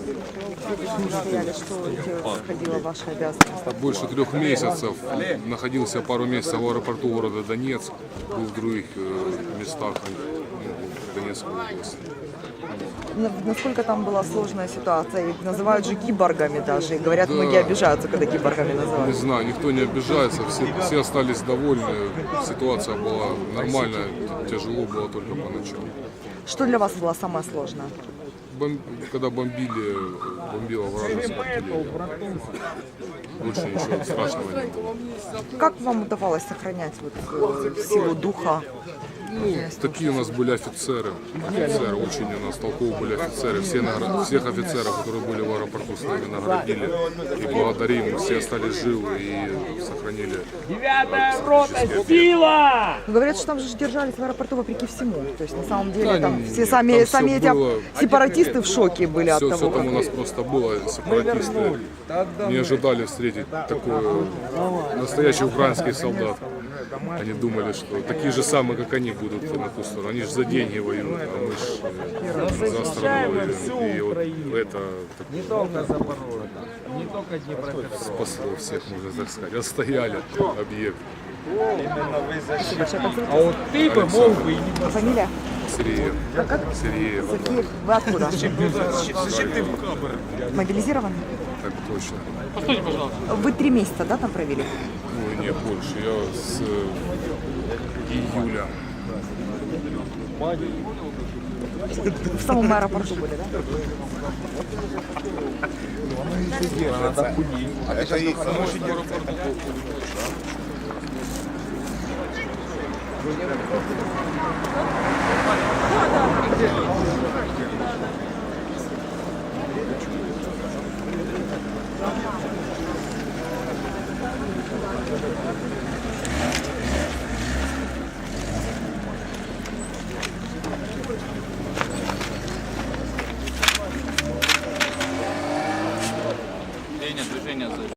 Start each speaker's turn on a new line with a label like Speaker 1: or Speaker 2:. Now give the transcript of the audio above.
Speaker 1: Что входило в ваши обязанности?
Speaker 2: Больше 3 месяцев. Находился пару месяцев в аэропорту города Донецк. Был в других местах Донецкой области.
Speaker 1: Насколько там была сложная ситуация? Их называют же киборгами даже. И говорят, многие обижаются, когда киборгами
Speaker 2: Не
Speaker 1: называют.
Speaker 2: знаю, никто не обижается, все остались довольны. Ситуация была нормальная, тяжело было только поначалу.
Speaker 1: Что для вас было самое сложное?
Speaker 2: Когда бомбила вражеская артиллерия. Больше ничего страшного не было.
Speaker 1: Как вам удавалось сохранять силу духа?
Speaker 2: Ну, такие у нас были офицеры. Офицеры, очень у нас толковые были офицеры. Всех офицеров, которые были в аэропорту, с нами наградили. И благодарим, все остались живы и сохранили.
Speaker 3: 9-я рота, сила!
Speaker 1: Говорят, что там же держались в аэропорту вопреки всему. То есть на самом деле
Speaker 2: Да,
Speaker 1: там
Speaker 2: нет,
Speaker 1: все
Speaker 2: там
Speaker 1: сами
Speaker 2: всё
Speaker 1: эти
Speaker 2: было.
Speaker 1: сепаратисты в шоке были от
Speaker 2: Все
Speaker 1: того,
Speaker 2: там у нас
Speaker 1: как...
Speaker 2: просто было. Сепаратисты не ожидали встретить такой настоящий украинский солдат. Они думали, что такие же самые, как они, будут на ту сторону. Они же за деньги воюют, а мы же за страну воюем. И вот это
Speaker 3: Не только Запорожье, не только Днепропетровск.
Speaker 2: спасло всех, можно так сказать. Отстояли объект.
Speaker 3: А вот ты бы мог бы и не
Speaker 1: А фамилия?
Speaker 2: Сиреев. Сиреев.
Speaker 1: Сергей, вы откуда? Мобилизированы?
Speaker 2: Так точно.
Speaker 1: Вы 3 месяца, да, там провели?
Speaker 2: Ну, нет, больше. Я с июля.
Speaker 1: В самом аэропорту были, да?
Speaker 4: Движение